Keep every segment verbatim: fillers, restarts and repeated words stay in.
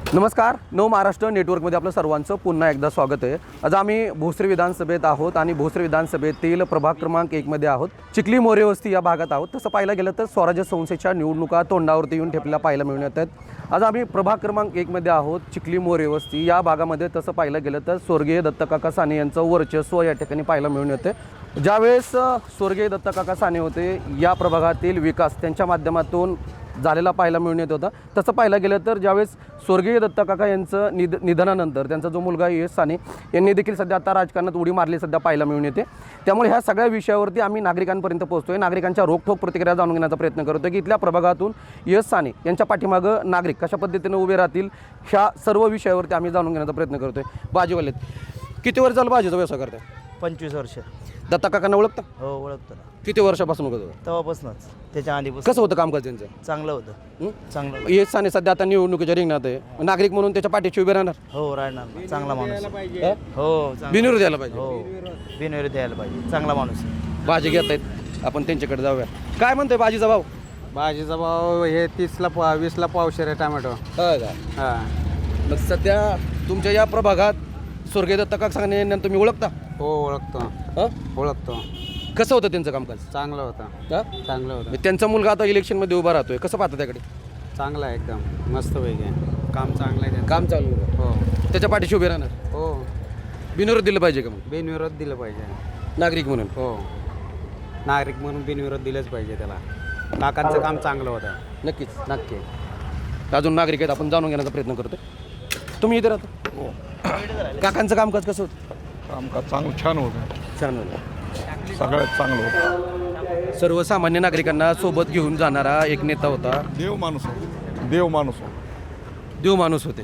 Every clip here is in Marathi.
नमस्कार, नव महाराष्ट्र नेटवर्कमध्ये आपलं सर्वांचं पुन्हा एकदा स्वागत आहे। आज आम्ही भोसरी विधानसभेत आहोत आणि भोसरी विधानसभेतील प्रभाग क्रमांक एक मध्ये आहोत। चिखली मोरे वस्ती या भागात आहोत। तसं पाहायला गेलं तर स्वराज्य संस्थेच्या निवडणुका तोंडावरती येऊन ठेपलेल्या पाहायला मिळून येतात। आज आम्ही प्रभाग क्रमांक एक मध्ये आहोत, चिखली मोरे वस्ती या भागामध्ये। तसं पाहायला गेलं तर स्वर्गीय दत्तकाका साने यांचं वर्चस्व या ठिकाणी पाहायला मिळून येते। ज्यावेळेस स्वर्गीय दत्तकाका साने होते, या प्रभागातील विकास त्यांच्या माध्यमातून झालेला पाहायला मिळून येत होता। तसं पाहायला गेलं तर ज्यावेळेस स्वर्गीय दत्तकाका यांचं निध निधनानंतर त्यांचा जो मुलगा यश साने यांनी देखील सध्या आता राजकारणात उडी मारली सध्या पाहायला मिळून येते। त्यामुळे ह्या सगळ्या विषयावरती आम्ही नागरिकांपर्यंत पोहोचतोय, नागरिकांच्या रोखठोक प्रतिक्रिया जाणून घेण्याचा प्रयत्न करतोय की इथल्या प्रभागातून यश साने यांच्या पाठीमागं नागरिक कशा पद्धतीने उभे राहतील, ह्या सर्व विषयावरती आम्ही जाणून घेण्याचा प्रयत्न करतोय। भाजीवालेत किती वर्ष झालं भाजीचा व्यवसाय करताय? पंचवीस वर्ष। दत्तकाकांना ओळखता? हो, ओळखतो ना। किती वर्षापासून करतो? तेव्हापासूनच, त्याच्या आधीपासून। कसं होतं कामकाज त्यांचं? चांगलं होतं, चांगलं। यश साने सध्या आता निवडणुकीच्या रिंगणात आहे, नागरिक म्हणून त्याच्या पाठीशी उभे राहणार? हो, राहणार। चांगला माणूस हो, बिनविरोध द्यायला पाहिजे। हो, बिनविरोध द्यायला पाहिजे, चांगला माणूस। भाजी घेत आहेत, आपण त्यांच्याकडे जाऊया। काय म्हणतोय भाजीचा भाव? भाजीचा भाव हे तीसला पा वीसला पावशेर आहे टमॅटो। हो का? हां, मग सध्या तुमच्या या प्रभागात स्वर्गीय दत्तकाका साने यांना तुम्ही ओळखता? हो ओळखतो, हं? ओळखतो। कसं होतं त्यांचं कामकाज? चांगलं होतं, हं? चांगलं होतं। मग त्यांचा मुलगा आता इलेक्शनमध्ये उभा राहतोय, कसं पाहता त्याकडे? चांगलं आहे एकदम, मस्त पैकी आहे। काम चांगलं आहे त्यांचं। काम चालू आहे, हो त्याच्या पाठीशी उभे राहणार? हो, बिनविरोध दिलं पाहिजे का मग बिनविरोध दिलं पाहिजे। नागरिक म्हणून? हो, नागरिक म्हणून बिनविरोध दिलंच पाहिजे त्याला। काकांचं काम चांगलं होतं। नक्कीच। नक्की। अजून नागरिक आहेत, आपण जाणून घेण्याचा प्रयत्न करतोय। तुम्ही इथे राहता? हो, काकांचं कामकाज कसं होतं? कामकाज चांगलं छान होतं, छान होतं। सगळ्यात चांगलं होतं। सर्वसामान्य नागरिकांना सोबत घेऊन जाणारा एक नेता होता, देव माणूस होता, देव माणूस होता देव माणूस होते।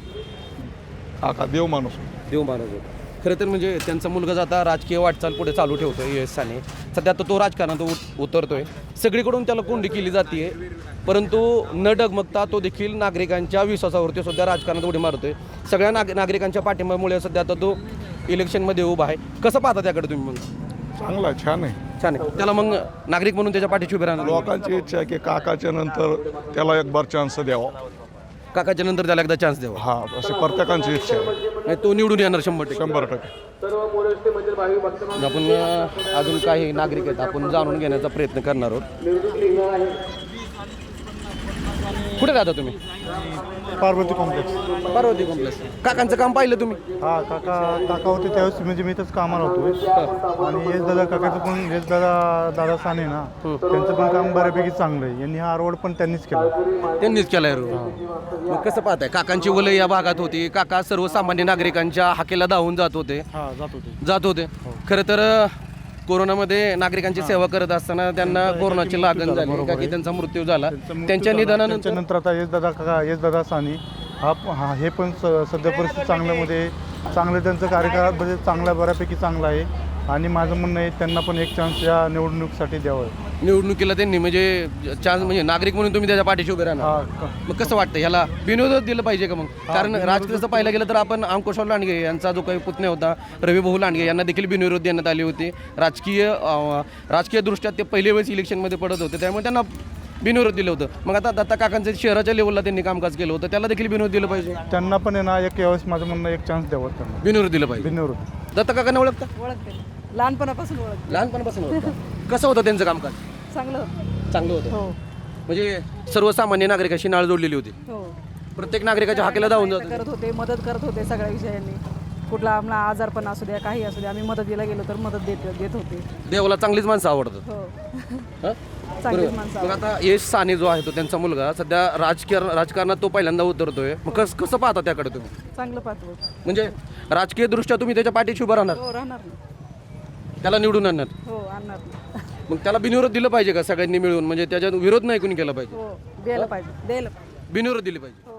काका, देव माणूस होता। देव माणूस होता खरं तर। म्हणजे त्यांचा मुलगा जाता राजकीय वाटचाल पुढे चालू ठेवतोय यश साने। सध्या आता तो राजकारणात उत उतरतोय, सगळीकडून त्याला कोंडी केली जाते, परंतु न डगमगता तो देखील नागरिकांच्या विश्वासावरती सुद्धा राजकारणात उडी मारतोय। सगळ्या नाग नागरिकांच्या पाठिंब्यामुळे सध्या आता तो इलेक्शनमध्ये उभा आहे। कसं पाहता त्याकडे तुम्ही? मग चांगला आहे, छान आहे। छान आहे। त्याला मग नागरिक म्हणून त्याच्या पाठीशी उभे राहणार? लोकांची इच्छा आहे की काकाच्या नंतर त्याला एक बार चान्स द्यावा। काकाच्या नंतर त्याला एकदा चान्स द्यावा, हा, अशी प्रत्येकांची इच्छा आहे। नाही तो निवडून येणार शंभर टक्के। शंभर टक्के। आपण अ, अजून काही नागरिक आहेत, आपण जाणून घेण्याचा प्रयत्न करणार आहोत। कुठे राहता तुम्ही? पार्वती कॉम्प्लेक्स। पार्वती कॉम्प्लेक्स। काकांचं काम पाहिलं तुम्ही? हा, काका काका होते त्यावेळेस म्हणजे मी इथंच कामाला होतो। आणि येस दादा काकाचं पण येस दादा दादा साने ना, त्यांचं पण काम बऱ्यापैकी चांगलं आहे। यांनी हा रोड पण त्यांनीच केला। त्यांनीच केलाय रोड। मग कसं पाहताय? काकांची वलय या भागात होती, काका सर्वसामान्य नागरिकांच्या हाकेला धावून जात होते हा, जात होते जात होते खरं तर कोरोनामध्ये नागरिकांची सेवा करत असताना त्यांना कोरोनाची लागण झाली, का की त्यांचा मृत्यू झाला। त्यांच्या निधनानंतर नंतर आता येस दादा काका येस दादा साने हा हा हे पण स सध्या परिस्थिती चांगल्यामध्ये चांगलं त्यांचं कार्यकाळ म्हणजे चांगला बऱ्यापैकी चांगला आहे। आणि माझं म्हणणं आहे त्यांना पण एक चान्स या निवडणुकीसाठी द्यावं। निवडणुकीला त्यांनी म्हणजे चान्स म्हणजे नागरिक म्हणून तुम्ही त्याच्या पाठीशी उभे राहणार? हा, मग कसं वाटतं ह्याला बिनविरोध दिलं पाहिजे का मग? कारण राजकीयचं पाहिलं गेलं तर आपण अंकुशराव लांडगे यांचा जो काही पुतण्या होता रविभाऊ लांडगे यांना देखील बिनविरोध देण्यात आली होती। राजकीय अं, राजकीय दृष्ट्या ते पहिल्या वेळेस इलेक्शनमध्ये पडत होते, त्यामुळे त्यांना बिनविरोध दिलं होतं। मग आता दत्ता काकांचं शहराच्या लेवलला त्यांनी कामकाज केलं होतं, त्याला देखील बिनविरोध दिलं पाहिजे? त्यांना पण आहे ना एक यावेळेस माझं म्हणणं एक चान्स द्यावं त्यांना, बिनविरोध दिलं पाहिजे। बिनविरोध। दत्ता काकांना ओळखता? ओळखते, लहानपणापासून ओळखते। लहानपणापासून ओळखता? कसं होतं त्यांचं कामकाज? चांगलं होतं। चांगलं होतं, हो म्हणजे सर्वसामान्य नागरिकांशी नाळ जोडलेली होती। हो, प्रत्येक नागरिकाच्या हाकेला धावून जात करत होते, मदत करत होते सगळ्या विषयांनी। कुठला आम्हाला आजारपण असू द्या, काही असू द्या, आम्ही मदतीला गेलो तर मदत देत देत होते। देवाला चांगलीच माणसं आवडतात। हो, हं? चांगलीच बरोबर. माणसं मग आता यश साने जो आहे तो त्यांचा मुलगा सध्या राजकीय राजकारणात तो पहिल्यांदा उतरतोय, मग कस कसं पाहता त्याकडे तुम्ही? चांगलं पाहतो। म्हणजे राजकीय दृष्ट्या तुम्ही त्याच्या पाठीशी उभं राहणार, हो, राहणार ना। त्याला निवडून आणणार? हो, आणणार ना। मग त्याला बिनविरोध दिलं पाहिजे का सगळ्यांनी मिळून? म्हणजे त्याच्यात विरोध नाही कोणी केला पाहिजे, हो, द्यायला पाहिजे, द्यायला पाहिजे। बिनविरोध दिली पाहिजे। हो,